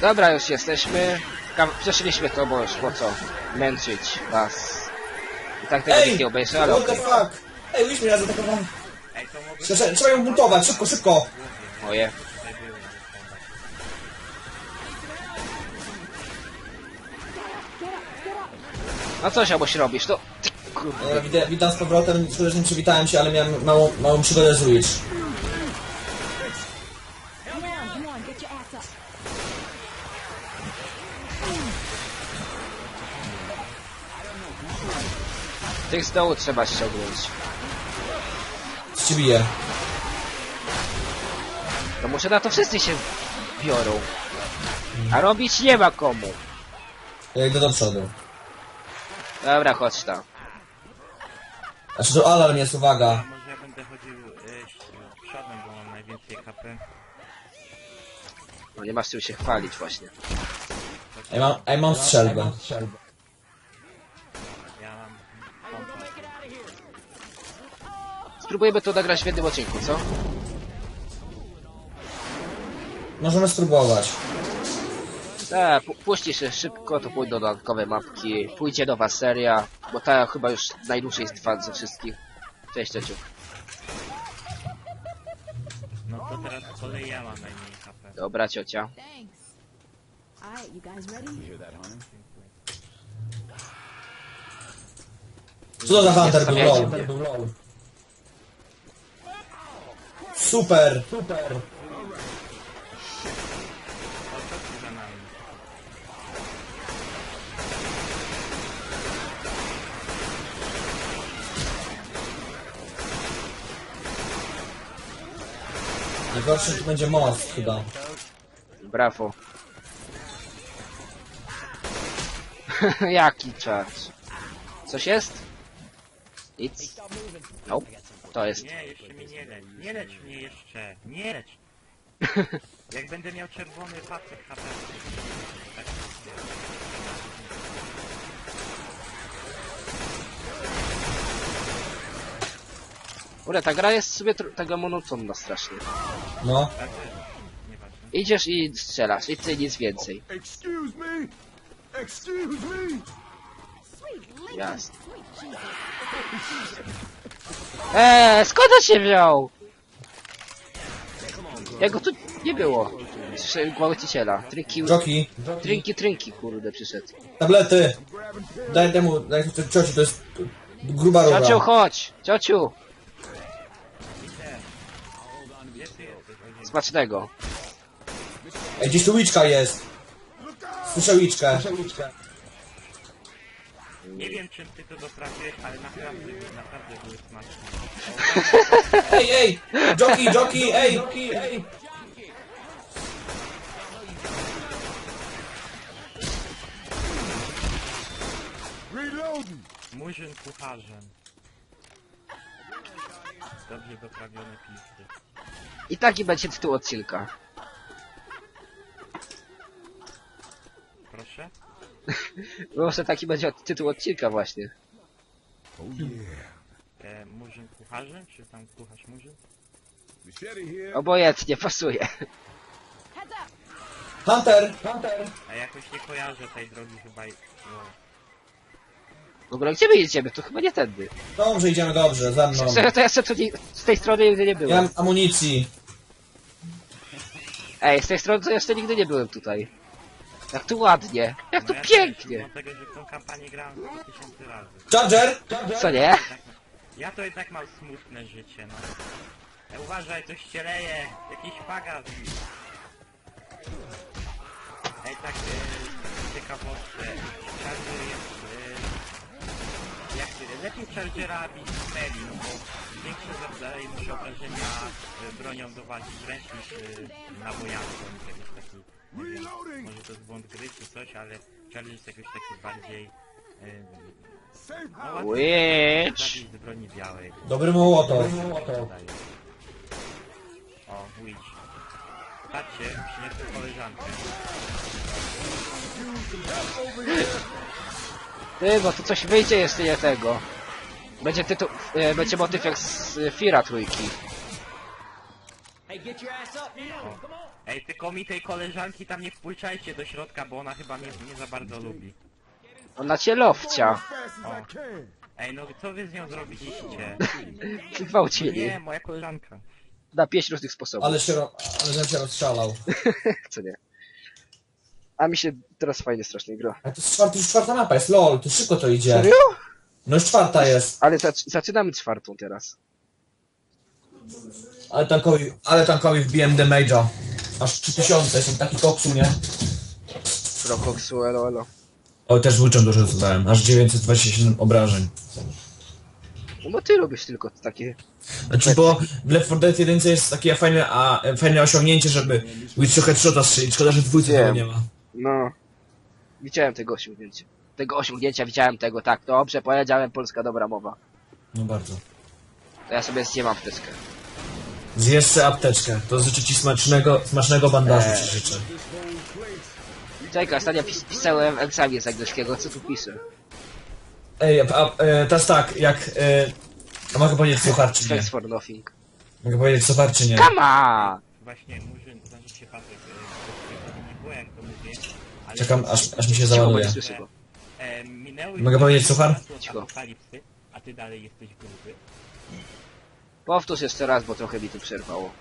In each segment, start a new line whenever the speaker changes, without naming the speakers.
Dobra, już jesteśmy. Przeszliśmy to, bo już po co męczyć was. I tak tego nikt nie obejrzy, ale
What the
okej.
fuck? Ej, już mnie zaatakowałem. Trzeba ją buntować, szybko, szybko.
Moje. No coś alboś robisz, to... Kurde.
Witam z powrotem, szkoda, że nie przywitałem się, ale miałem małą przygodę z Witch.
Tych z dołu trzeba ściągnąć.
Co ci bije?
To może na to wszyscy się biorą. A robić nie ma komu.
Ja idę do przodu.
Dobra, chodź tam.
Znaczy to alarm jest, uwaga.
Może ja będę chodził przodem, bo mam najwięcej HP.
No nie masz czym się chwalić właśnie.
Ej, mam strzelbę.
Ja mam pompę.
Spróbujemy to nagrać w jednym odcinku, co?
Możemy spróbować.
Tak, puści się szybko, to pójdą dodatkowe mapki, pójdzie nowa seria, bo ta chyba już najdłużej trwa ze wszystkich. Cześć, ciociu.
No to teraz z kolei ja mam najmniej HP.
Dobra, ciocia.
Thanks. Alright, you guys ready?
Co to za Hunter był?
Zostawiajcie
LOL. Super, super.
O, co tu za nami?
Najgorszy to będzie most chyba.
Brawo. Jaki czas? Coś jest? Nic? Nope. To jest.
Nie, jeszcze mnie nie lecz. Nie lecz mnie jeszcze. Nie lecz. Jak będę miał czerwony pasek HP. Tak jest.
Kurde, ta gra jest sobie taka monotonna strasznie.
No.
Tak, nieważne.
Idziesz i strzelasz, i ty nic więcej.
Excuse me? Excuse me?
Jasne. Skąd on się wziął? Jego tu nie było. Gwałciciela. Trinki, kurde, przyszedł.
Tablety. Daj cioci, to jest gruba rura.
Ciociu, chodź! Ciociu! Smacznego.
Ej, gdzieś tu łyczka jest. Słyszę łyczkę.
Nie wiem czym ty to doprawiłeś, ale naprawdę były smaczne.
Ej! Jockey, ej!
Reloading.
Murzyn kucharzem. Dobrze doprawione pizzy.
I taki będzie tytuł odcinka.
Proszę?
Może taki będzie tytuł odcinka właśnie.
Oh yeah.
Murzyn kucharzem? Czy tam kucharz murzyn?
Machete here.
Obojętnie, pasuje.
Hunter!
A jakoś nie kojarzę tej drogi chyba i... No.
W ogóle gdzie my jedziemy? To chyba nie tędy.
Dobrze, idziemy dobrze, za mną.
Szczerze, to ja jeszcze tu z tej strony nigdy nie
Nie
byłem.
mam amunicji.
Ej, z tej strony to jeszcze nigdy nie byłem tutaj. Jak tu ładnie. Jak tu
No ja
pięknie.
Też, mimo tego, że w tą kampanię grałem 100 000 razy.
Charger!
Co nie?
Ja to jednak mam smutne życie, no. Uważaj, coś się leje. Jakiś pagas. Ej, tak, ciekawostkę. Charger jest... lepiej Chargera bić z meli, no bo większe zadaje mu się obrażenia bronią do walki wręcz niż nabojami, bo on jest jakiś taki... Nie wiem, może to jest błąd gry czy coś, ale Charger jest jakoś taki bardziej... no, łatwiej
Witch.
zabić z broni białej.
Dobry Mołotow.
O, Witch. Patrzcie, przyniosę koleżankę.
Ty, bo tu coś wyjdzie jeszcze nie tego. Będzie tytuł, będzie motyw jak z Fira trójki.
Ej, tylko mi tej koleżanki tam nie wpuszczajcie do środka, bo ona chyba mnie nie za bardzo lubi.
Ona cię lowcia.
Fast as I can.
Ej, no co wy z nią zrobiliście?
Gwałcili.
Nie, moja koleżanka.
Na 5 różnych sposobów.
Ale żem się rozstrzelał.
Co nie? A mi się teraz fajnie strasznie gra.
A to jest czwarta mapa jest, lol, to szybko to idzie.
Serio?
No już czwarta jest.
Ale zaczynamy czwartą teraz.
Ale tankowi wbiłem damage'a. Aż 3000, jestem taki koksu, nie?
Prokoksu, elo, elo.
O, też łyczem dużo zadałem, aż 927 obrażeń.
No bo ty lubisz tylko takie...
Znaczy, bo w Left 4 Dead 1 jest takie fajne osiągnięcie, żeby Witchu headshota strzelić. Szkoda, że w dwójce tego
Wiem.
nie ma.
No... Widziałem tego osiągnięcia. Tego osiągnięcia widziałem tego, tak. Dobrze, powiedziałem, polska dobra mowa.
No bardzo.
To ja sobie zjemam apteczkę.
Zjesz sobie apteczkę, to życzę ci smacznego bandażu ci życzę.
Czekaj, ostatnio pisałem egzamin z angielskiego, co tu piszę?
Ej, teraz tak, a mogę powiedzieć suchar czy nie?
Thanks for nothing.
Mogę powiedzieć suchar czy nie?
Come on!
Właśnie, murzyn, znaczy się Patryk, nie było jak to mówię, ale...
Czekam, aż mi się
Cicho, bo
załaduje.
nie słyszę go.
Minęły
Mogę powiedzieć suchar?
od
Cicho.
apokalipsy, a ty dalej jesteś gruby.
Powtórz jeszcze raz, bo trochę mi tu przerwało.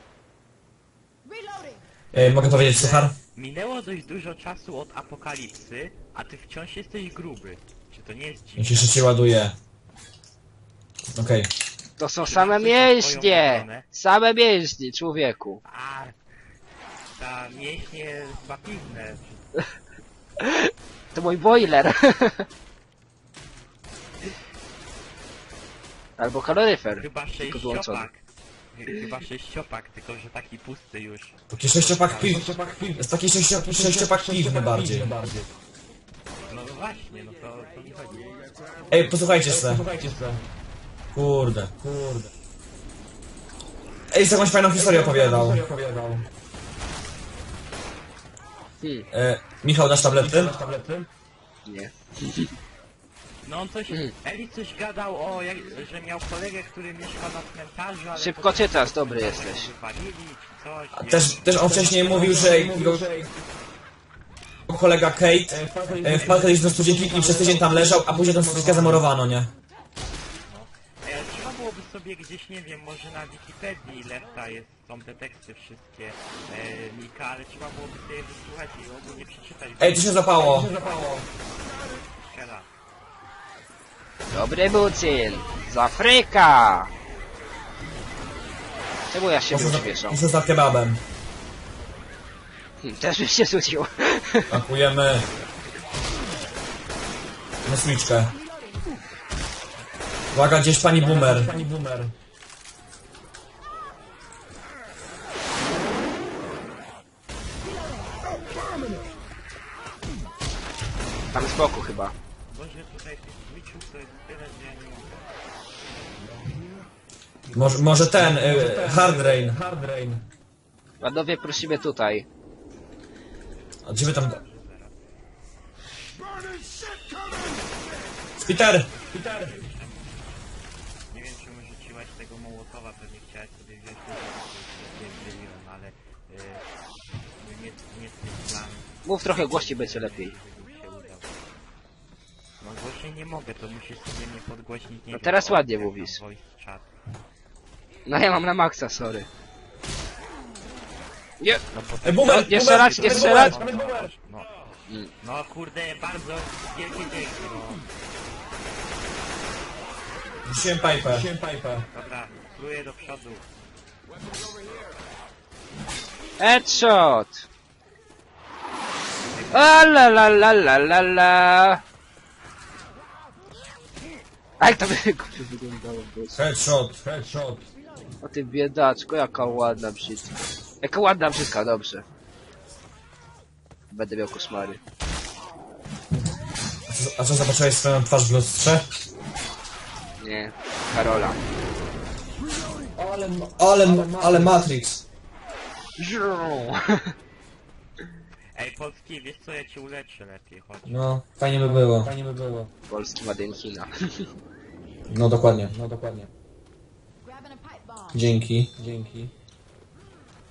Mogę powiedzieć suchar?
Minęło dość dużo czasu od apokalipsy, a ty wciąż jesteś gruby. Czy to nie jest
Jak
dziwne?
się szybciej ładuje. Okej.
To są same
masz coś na
mięśnie!
swoją obronę?
Same mięśnie, człowieku.
A, ta mięśnie wapiwne.
To mój boiler. Albo kaloryfer.
Chyba
Tylko wyłączony.
sześciopak. Chyba sześciopak, tylko że taki pusty już.
Taki sześciopak piw. Jest taki sześciopak piwny bardziej.
No właśnie, no to mi chodzi.
Ej, posłuchajcie se. Kurde. Ej, z jakąś fajną historię opowiadał. Michał, dasz tablety?
Nie.
No on coś, Eli coś gadał o, że miał kolegę, który mieszka na cmentarzu, ale...
Szybko czytasz, dobry jesteś.
Wypalili, czy coś,
Też on wcześniej mówił, że jego kolega Kate wpadł kiedyś do studzienki i przez tydzień tam leżał, a później tą studzienkę zamurowano, nie?
Trzeba byłoby sobie gdzieś, nie wiem, może na Wikipedii Lefta są te teksty wszystkie, Mika, ale trzeba byłoby sobie wysłuchać i ogólnie przeczytać.
Ej, to się zapało.
Jeszcze raz.
Dobry bucin! Z Afryka! Czemu ja się uśmieszam?
Muszę za kebabem.
Też byś się rzucił.
Pakujemy mesliczkę. Uwaga, gdzieś pani boomer.
Tam z boku chyba.
Boże, tutaj tych Twitchów to jest tyle, że ja nie mogę.
Może ten, Hard Rain.
Panowie, prosimy tutaj.
A gdzie wy tam... Peter!
Nie wiem, czemu rzuciłaś tego Mołotowa, pewnie chciałeś sobie wziąć to, wiem, ale nie jest plan,
Mów trochę głośniej, będzie lepiej.
żeby mi się udał. No głośniej nie mogę, to musisz sobie mnie podgłośnić, nie
No
wiem,
teraz
o,
ładnie
jak tam
mówisz.
Voice chat.
No ja mam na maksa, sorry. Nie!
No bo
Ej, boomer!
Jeszcze
boomer,
raz, jeszcze raz.
no, no kurde, bardzo wielkie dzięki, no.
Rzuciłem pipę.
Dobra, pluję do przodu.
Headshot! A la la la la la la. A jak to by wyglądało? Boże.
Headshot.
O ty biedaczko, jaka ładna brzydka. Jaka ładna brzydka, dobrze. Będę miał koszmary.
A co, zobaczyłeś swoją twarz w lustrze?
Nie, Karola.
Ale Matrix.
Ej, Polski, wiesz co, ja cię uleczę lepiej, chodź.
No, fajnie by było.
Polski Made in China.
No dokładnie.
Grabbing a pipe bomb.
Dzięki.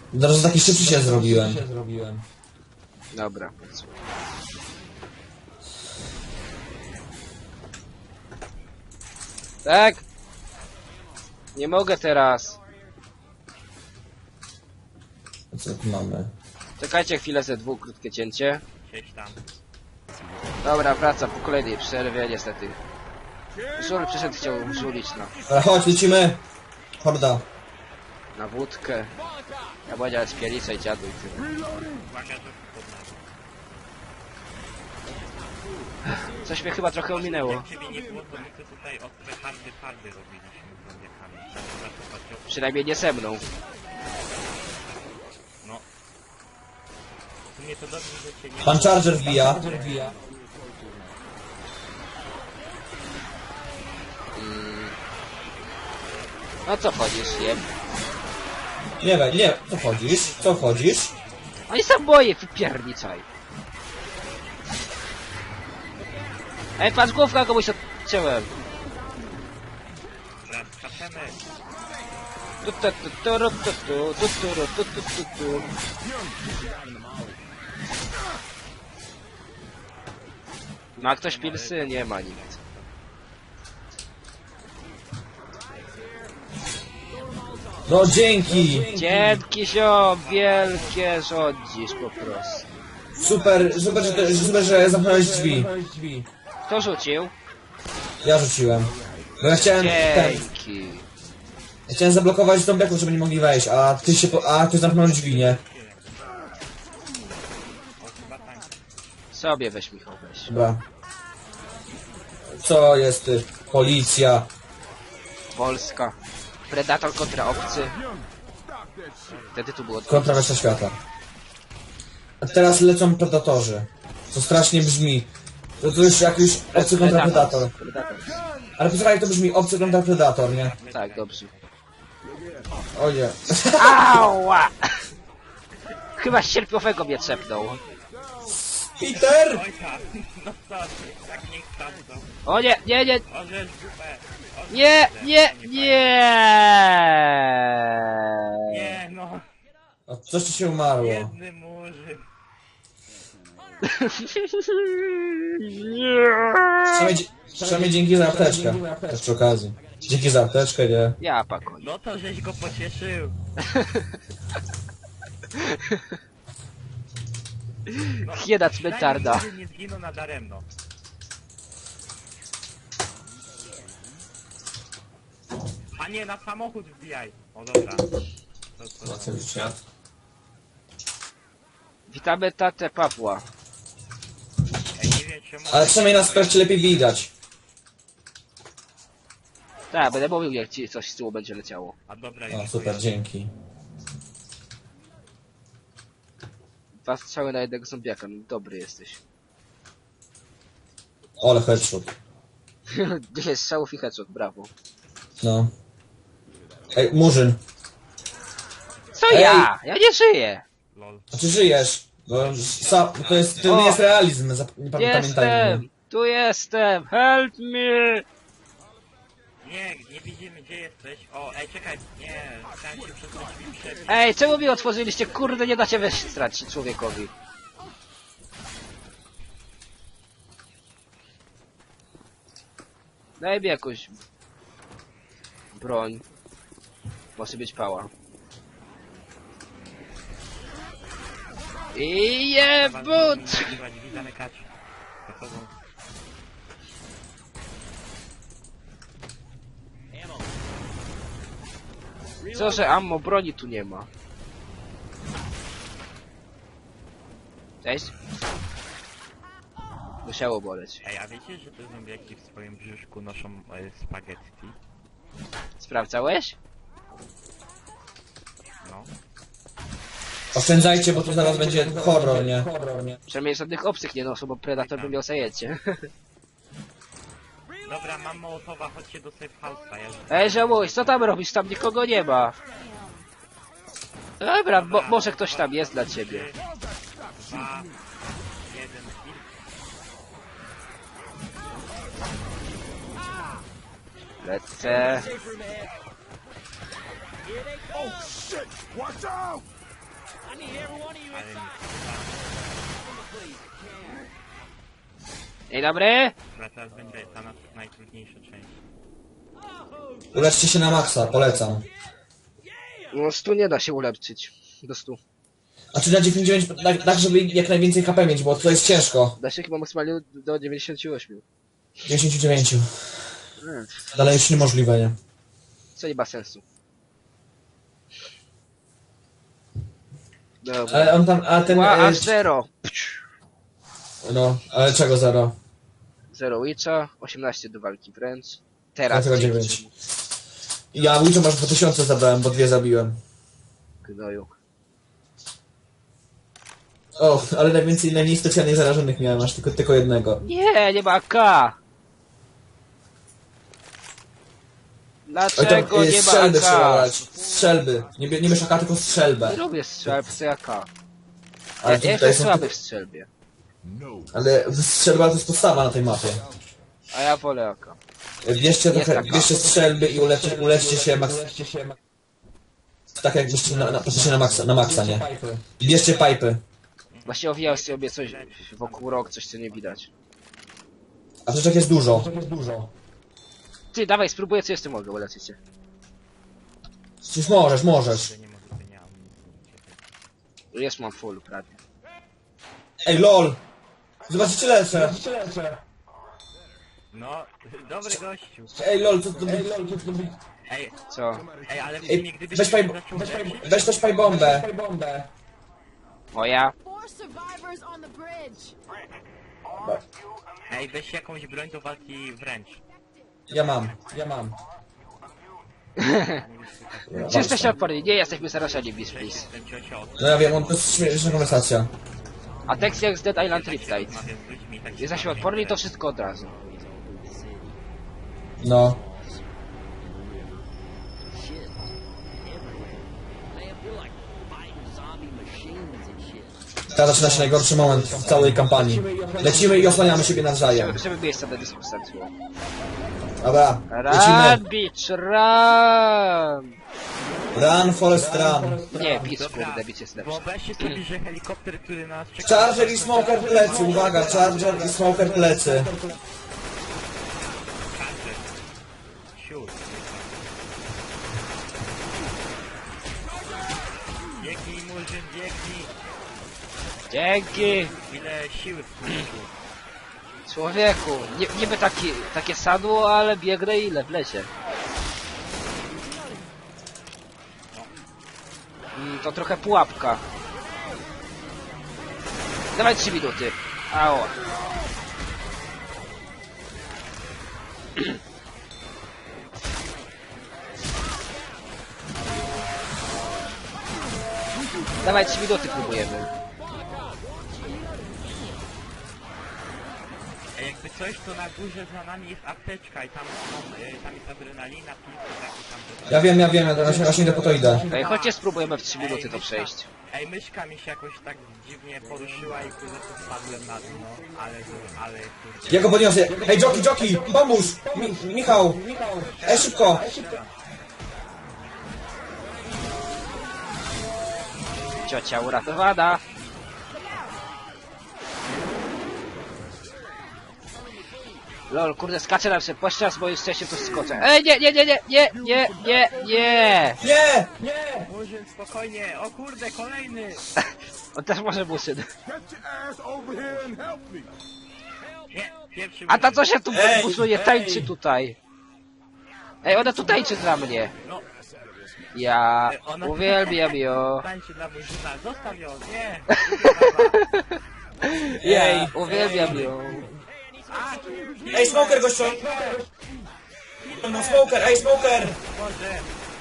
Teraz taki szybszy się zrobiłem.
Dobra. Tak? Nie mogę teraz.
Co tu mamy?
Czekajcie chwilę, ze dwóch krótkie cięcie.
Siedź tam.
Dobra, wracam po kolejnej przerwie, niestety. Żul przyszedł, chciał żulić
Ale chodź, lecimy! Horda.
na wódkę. Ja powiedziałem spiernicę i dziadu i tyle.
Uwaga, że podnoszę.
Coś mnie chyba trochę ominęło.
Jak ciebie nie było, to my tu tutaj ostre hardy robiliśmy z zombiakami. Trzeba to patrzeć.
Przynajmniej nie ze mną.
No. W sumie to dobrze, że cię nie...
Pan Charger wbija.
No co wchodzisz, jem?
Nie, co chodzisz? Co chodzisz?
No i sam boję, wypierniczaj. Ej, patrz, główka komuś odciąłem.
Raz, skaczemy.
Tu. Ma ktoś pilsy? Nie ma nikt.
No dzięki!
Dzięki ziom, wielkie rządzisz po prostu.
Super, że zamknąłeś drzwi.
Kto rzucił?
Ja rzuciłem. Bo ja chciałem
Dzięki.
ja chciałem zablokować zombiaków, żeby nie mogli wejść, a ty zamknąłeś drzwi, nie?
Sobie weź Michał, weź.
Dobra. Co jest ty? Policja.
Polska. Predator kontra obcy. Wtedy tu było...
Kontra reszta świata. A teraz lecą predatorzy. Co strasznie brzmi. To już jakiś obcy kontra predator. Ale posłuchaj, to brzmi obcy kontra predator, nie?
Tak, dobrze.
O nie.
Ała! Chyba sierpiowego mnie trzepnął.
Peter!
Ojca! No co ty? Tak niech sprawdzą.
O nie,
Orzesz dupę!
nie!
Nie no!
O, coś tu się umarło.
Biedny murzyn.
Przynajmniej dzięki za apteczkę. Też przy okazji. Dzięki za apteczkę, nie?
Ja pakuję.
No to żeś go pocieszył. No,
Hiena cmentarna.
przynajmniej nie zginął nadaremno. A nie, na samochód wbijaj. O dobra. To.
Cały świat.
Witamy tatę Pawła.
Ej, nie wiem czemu...
Ale przynajmniej nas wreszcie lepiej widać.
Tak, będę mówił jak ci coś z tyłu będzie leciało.
A dobra,
O,
już
super, dzięki.
2 strzały na jednego zombiaka, no dobry jesteś.
Ole, headshot.
10 strzałów i headshot, brawo.
No. Ej, Murzyn.
Co
Ej!
ja? Ja nie żyję!
Lol.
A czy żyjesz? Bo to nie jest realizm, nie pamiętajmy.
Jestem! Tu jestem! Help me!
Nie widzimy gdzie jesteś. O, ej czekaj, nie, chciałem się przez te drzwi przebić.
Ej, czemu mi otworzyliście? Kurde, nie dacie wejść stracić człowiekowi. Daj mi jakąś... broń. Może być pała. I jebut!
Drzwi zamykać. Za sobą.
Co, że ammo broni tu nie ma? Cześć? Musiało boleć.
Ej, a wiecie, że te zombiaki w swoim brzuszku noszą spaghetti?
Sprawdzałeś?
No.
Oszczędzajcie, bo to zaraz będzie horror, nie?
Przynajmniej żadnych obcych nie noszą, bo Predator by miał zajęcie.
Dobra, mam Mołotowa, chodźcie do safe house'a. Ja już...
Ej, żałuś, co tam robisz? Tam nikogo nie ma. Dobra, może ktoś tam jest dla ciebie.
2, 1,
Lecę.
Oh shit! Watch out!
Ale
Dzień dobry.
chyba teraz będzie ta najtrudniejsza część.
Uleczcie się na maksa, polecam.
No 100 nie da się ulepszyć. Do 100.
A czy na 99, tak żeby jak najwięcej HP mieć, bo to jest ciężko.
Da się chyba maksymalnie do 98.
99. Dalej już niemożliwe, nie?
Co nie ma sensu. Dobra.
Ale on tam, a ten...
Ła, aż 0.
No, ale czego 0?
0 Witcha, 18 do walki wręcz. Teraz
Dlatego
dzięki
9.
czemu-
Ja Witcher masz 2000 zabrałem, bo 2 zabiłem.
Gnoju.
O, ale najmniej specjalnie zarażonych miałem, aż tylko jednego.
Nie, nie ma AK.
Oj,
Dlaczego
tam
nie ma
strzelby trzeba
AK?
brać. Strzelby. Nie bierz AK, tylko
Nie
strzelbę.
lubię strzelb z AK.
Ale
Ja
tutaj
jestem
są...
słaby w strzelbie.
Ale strzelba to jest podstawa na tej mapie.
A ja wolę AK.
Bierzcie
Jest
trochę,
taka.
bierzcie strzelby i uleczcie się tak jakbyście patrzycie na maksa, nie? I bierzcie pipy.
Właśnie owijał sobie coś wokół rok, coś co nie widać.
A przecież jest dużo.
Ty, dawaj, spróbuję co jeszcze mogę, uleczyć się.
Przecież możesz.
Że nie może nie amunicji.
Jest mam full prawie.
Ej, lol! Zobaczycie lecę.
No, dobry gościu.
Ej, lol, co to...
Ej,
Co?
ale w
Ej,
sumie gdybyś
weź paj-
zaczął
Weź też pajbombę.
Moja?
4 survivors on the bridge.
Ej, weź jakąś broń do walki wręcz.
Ja mam.
Czy jesteście odporni? Nie jesteśmy zarażeni, please.
Jestem ciocia od
No ja wiem, to jest śmieszna konwersacja.
A tekst jak z Dead Island Riptide.
rozmawiam z ludźmi tak
Jesteśmy odporni, to wszystko od razu.
No. Teraz zaczyna się najgorszy moment w całej kampanii. Lecimy i osłaniamy siebie nawzajem.
Żeby miejsca na dyskusję.
Dobra,
Run,
lecimy.
bitch, run!
Run, Forest, run.
Nie, bitch, kurde, bitch jest lepszy.
Wyobraźcie sobie, że helikopter, który nas czeka...
Charger i Smoker plecy, uwaga, Charger i Smoker plecy.
Siur. Biegnij, Murzyn, biegnij!
Dzięki!
Ile siły w człowieku.
Człowieku, niby takie sadło, ale biegnę ile w lesie. To trochę pułapka. Dawaj 3 minuty. Ało. Dawaj 3 minuty próbujemy.
Jakby coś, to na górze za nami jest apteczka i tam jest adrenalina, pilki, takie tam...
Ja wiem, ja właśnie po to idę.
Ej, chodźcie spróbujemy w 3 minuty to przejść.
Ej, myszka mi się jakoś tak dziwnie poruszyła i kurde to spadłem na dno, ale kurde...
Ja go podniosę. Ej, Joki, pomóż! Michał! Ej, szybko!
Ciocia uratowana. Lol, kurde, skaczę nam się pościas, bo już wcześniej tu skoczę. Ej, nie!
Nie!
Murzyn, spokojnie, o kurde, kolejny!
On też może muszyn.
Get your ass over here and help me.
Nie, pierwszy
A ta
Murzyn.
co się tu
Ej,
busuje, tańczy tutaj. Ej, ona tu tańczy dla mnie.
No,
Ja
ona-
uwielbiam ją.
tańczy dla Murzyna, zostaw ją, nie!
Ja uwielbiam ją.
Ej, Smoker, gościu! No, Smoker, ej, Smoker!
Boże,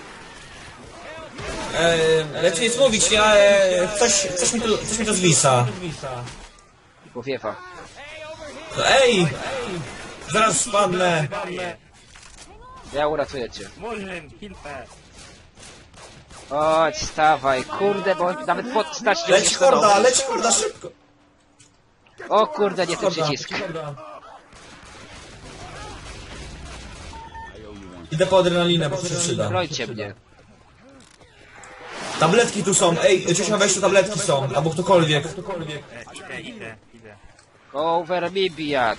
Lecz nic mówić, nie, ale coś mi to zwisa.
Powiewa.
No, ej! Zaraz spadnę.
Ja uratuję cię.
Murzyn, hilfę!
Chodź, stawaj, kurde, bo nawet podstać nie
Leci
musisz do
horda, szybko!
O kurde, nie ten
Horda,
przycisk.
Idę po adrenalinę, bo to się przyda.
Brońcie mnie.
Tabletki tu są, ej, Czesio, weź tu tabletki są, albo ktokolwiek.
Idę.
Go over me, bijacz.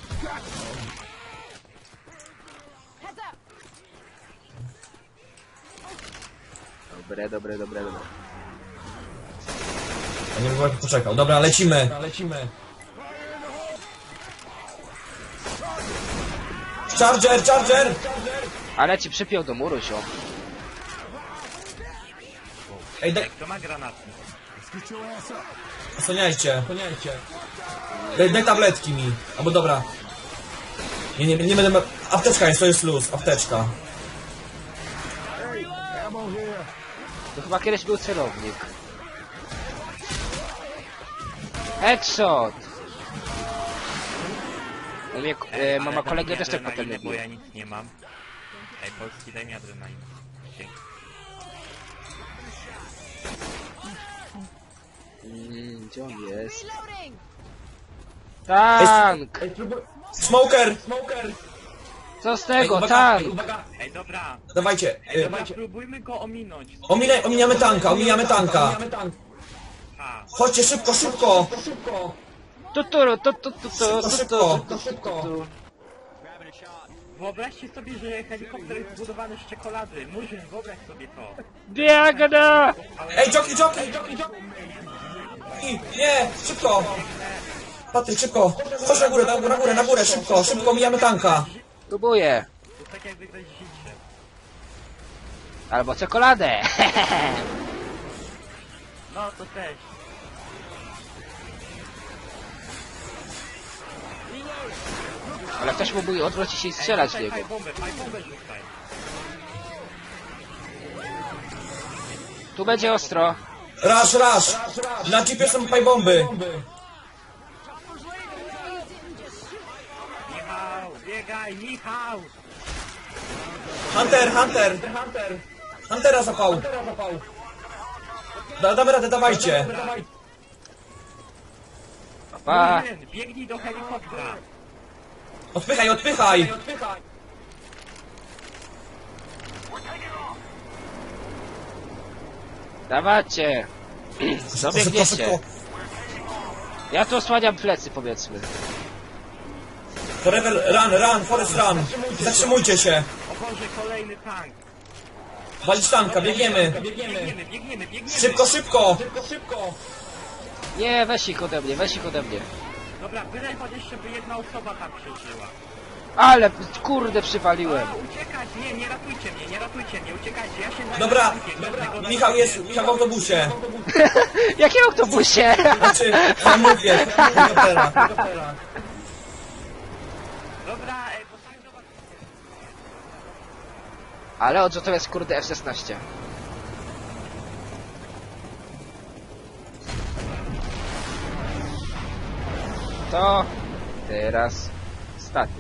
Heads up.
Dobre.
Ja nie wiem, poczekał. Dobra, lecimy. Charger!
Ale ci przypiął do muru, ziom.
Ej, daj,
Kto ma granaty?
osłaniajcie. Daj tabletki mi. Albo dobra. Nie będę... Apteczka jest, to jest luz, apteczka.
To chyba kiedyś był celownik. Headshot! Mama kolegę też tak potem nie
Bo
było.
ja nic nie mam. Ej, Polski, daj mi adrenalinę. Dzięki.
Gdzie on jest?
Reloading.
Tank!
Smoker!
Co z
Ej,
tego?
uwaga,
Tank!
ej, uwaga.
Ej, dobra.
Dawajcie.
Dobra, spróbujmy go ominąć.
Ominiamy tanka.
Ha.
Chodźcie szybko.
Tuturu.
Szybko.
Wyobraźcie sobie, że helikopter jest zbudowany z czekolady. Murzyn, wyobraź sobie to.
Biegnę!
Ej, jockey! Nie, szybko. Patryk, szybko. Chodź na górę, szybko, mijamy tanka.
Próbuję.
To jest tak jakby ktoś życie.
Albo czekoladę.
No, to też.
Ale ktoś mógłby odwrócić się i strzelać w niego.
Fajbombę rzucaj.
Tu będzie ostro.
Raz. Na jeepie są pajbomby.
Michał, biegaj, Michał!
Hunter. Huntera zapał. Damy radę, dawajcie.
Pa.
Murzyn, biegnij do helikoptera.
Odpychaj.
Dawacie. Dobiegniecie.
Szybko.
Ja tu osłaniam plecy, powiedzmy.
Forever run, Forest run. Zatrzymujcie się.
O Boże, kolejny tank.
Walić tanka, biegniemy.
Biegniemy.
Szybko.
Nie, weź ich ode mnie.
Dobra, byle chociaż, żeby jedna osoba tam przeżyła.
Ale kurde przywaliłem.
Uciekać! Nie ratujcie mnie, uciekajcie, ja się zajmę
Dobra,
tankiem,
Michał w autobusie.
Jakim autobusie?
Znaczy, ja mówię, helikoptera.
Dobra, postań do was.
Ale o co to jest kurde F-16? To teraz staty.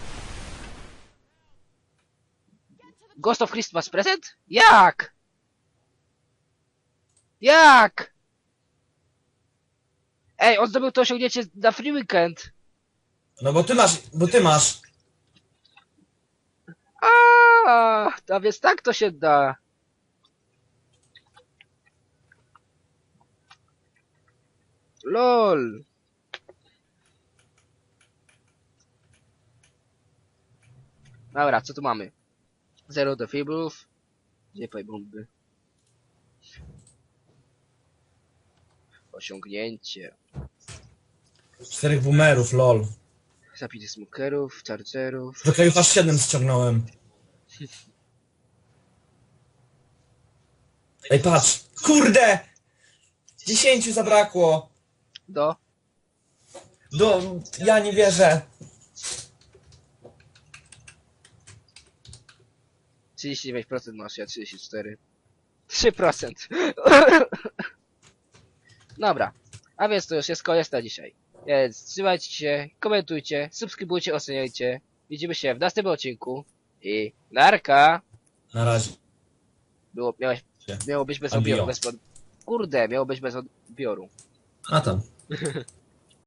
Ghost of Christmas Present? Jak? Ej, on zdobył to osiągnięcie na free weekend.
No bo ty masz.
A więc tak to się da. LOL. Dobra, co tu mamy? Zero defibrów. Gdzie bomby? Osiągnięcie.
4 boomerów, lol.
Zabity smokerów, chargerów.
Do kraju aż 7 ściągnąłem. Ej, patrz! Kurde! 10 zabrakło! Ja nie wierzę.
39% masz, ja 34. 3%. Dobra. A więc to już jest koniec na dzisiaj. Więc trzymajcie się, komentujcie, subskrybujcie, oceniajcie. Widzimy się w następnym odcinku. I narka.
Na razie.
Miało być bez
Addio.
odbioru. Kurde, miało być bez odbioru.
A tam.